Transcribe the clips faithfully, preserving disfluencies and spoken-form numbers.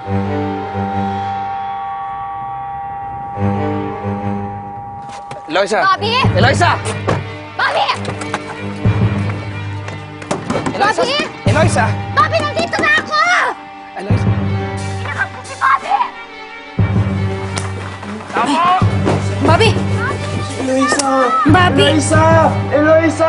Eloisa! Bobby! Eloisa! Bobby! Eloisa! Bobby! Eloisa! Bobby, nandito na ako! Eloisa! Hinakap ko si Bobby! Tama! Bobby! Eloisa! Bobby! Eloisa! Eloisa!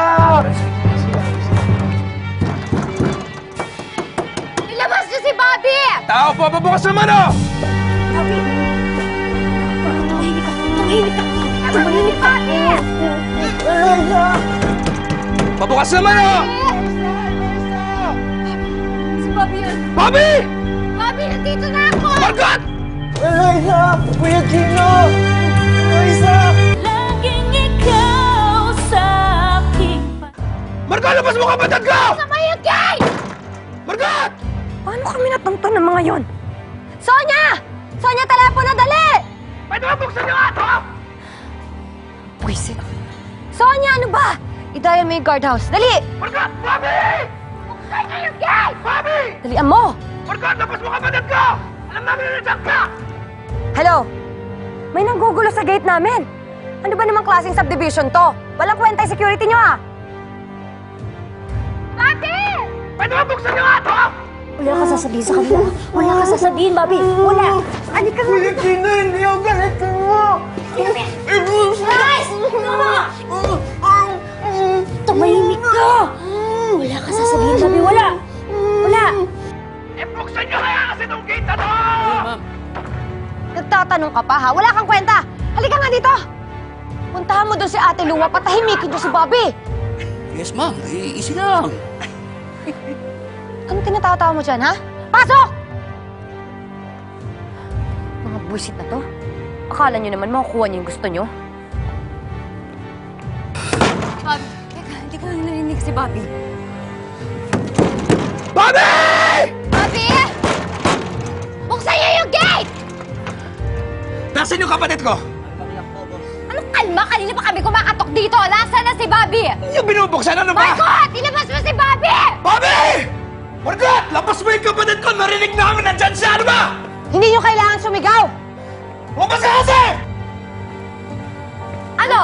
Ilabas niyo si Bobby! Tao po! Pabukas naman oh! Bobby! Tumahimik ka! Tumahimik ka! Tumahimik ka! Eloisa! Pabukas naman oh! Si Bobby yun! Bobby! Bobby, nandito na ako! Margot! Eloisa! Kuya Gino! Eloisa! Laging ikaw sa aking Margot! Labas mo kapatid ko! Sama yung gay! Margot! Paano kami natungtong ng mga yon? Sonya! Sonya, telepono, dali! Pwede ba buksan niyo nga ito? Pwisit. Sonya, ano ba? Idayan mo yung guardhouse. Dali! Margot! Bobby! Buksan niyo yung gay! Bobby! Dalian mo! Margot! Labas mo kapatid ko! Alam namin na nandiyan ka! Hello? May nanggugulo sa gate namin. Ano ba namang klaseng subdivision to? Walang kwenta yung security nyo, ah! Bobby! Pwede ba buksan niyo nga ito? Wala ka sasabihin sa kanila. Wala ka sasabihin, Bobby. Wala. Halika nga! Kuya Gino, hindi ako galitin mo! Guys! Tumahimik ka! Wala ka sasabihin, Bobby. Wala. Wala. Eh, buksan niyo kaya kasi itong gate na to! Nagtatanong ka pa, ha? Wala kang kwenta! Halika nga dito! Puntahan mo doon si Ate Lua, patahimikin niyo si Bobby! Yes, ma'am. Eh, easy lang. Anong tinatawa mo dyan, ha? Pasok! Mga buwisit na to. Akala niyo naman makukuha niyo yung gusto niyo. Bobby, teka, hindi ko narinig si Bobby. Bobby! Bobby! Buksan niyo yung gate! Nasaan yung kapatid ko? Anong kalma? Kanina pa kami kumakatok dito. Nasaan na si Bobby? Yung binubuksan, ano ba? Margot! Ilabas mo si Bobby! Bobby! Margot! Labas mo yung kapatid ko! Narinig namin nandyan siya! Ano ba? Hindi niyo kailangan sumigaw! Lumabas ka kasi! Ano?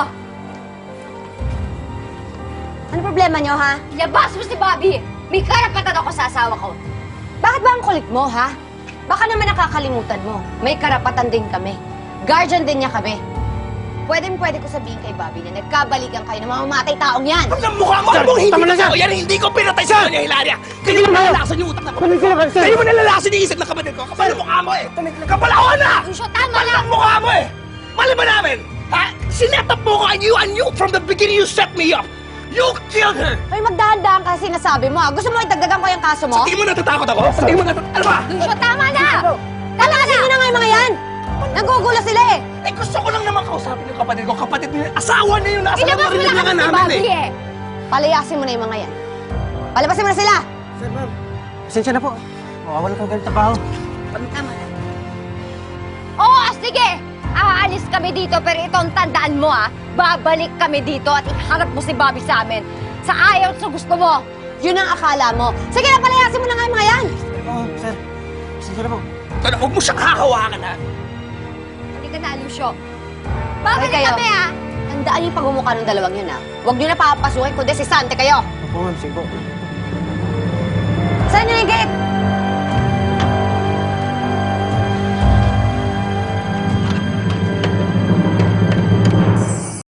Ano problema niyo, ha? Ilabas mo si Bobby! May karapatan ako sa asawa ko. Bakit ba ang kulit mo, ha? Baka naman nakakalimutan mo. May karapatan din kami. Guardian din niya kami. Pwedeng pwede ko sabihin kay Bobby na nagkabalikan kayo ng mga mamatay taong yan. Ang ang mukha mo! Ano bang hindi ko? Yan hindi ko pinatay sa kanya, Hilaria! Kayo mo nalalasan yung utak na kapatid ko! Kayo mo nalalasan yung isip ng kapatid ko! Kapal ang mukha mo eh! Kapal ako na! Lucio, tama Kapal na! ang mukha mo eh! Mali ba namin? Ha? Sinet up mo ko and you and you from the beginning you set me up! You killed her! Ay, magdahan-dahan kasi sinasabi mo, ha? Gusto mo itagdagan ko yung kaso mo? Sa tingin mo natatakot ako? Sa tingin mo natatakot? Ano ba? Lucio, tama na! Talasin mo na nga yung mga yan! Nagugulo sila eh! Eh gusto ko lang naman kausapin yung kapatid ko. Kapatid niya, asawa niya yung nasa Ilabas mo na narinig kasi nga si namin Bobby eh. eh! Palayasin mo na yung mga yan. Palabasin mo na sila! Sir, ma'am. Pasensya na po. Mawawalan kang ganito trabaho. Tama na. Oo, sige! Aalis kami dito, pero itong tandaan mo, ha? Babalik kami dito at iharap mo si Bobby sa amin. Sa ayaw at sa gusto mo. Yun ang akala mo. Sige na, palayasin mo na nga yung mga yan! Oo, sir. Pasensya na po. Tara, huwag mo siyang hahawakan ha. Hindi ka na, Lucio. Babalik kami, ha? Tandaan yung pagmumukha ng dalawang yun, ha? Huwag nyo na papasukin, kundi si Sante kayo. Opo, ma'am. Sige po. Saan nyo na yung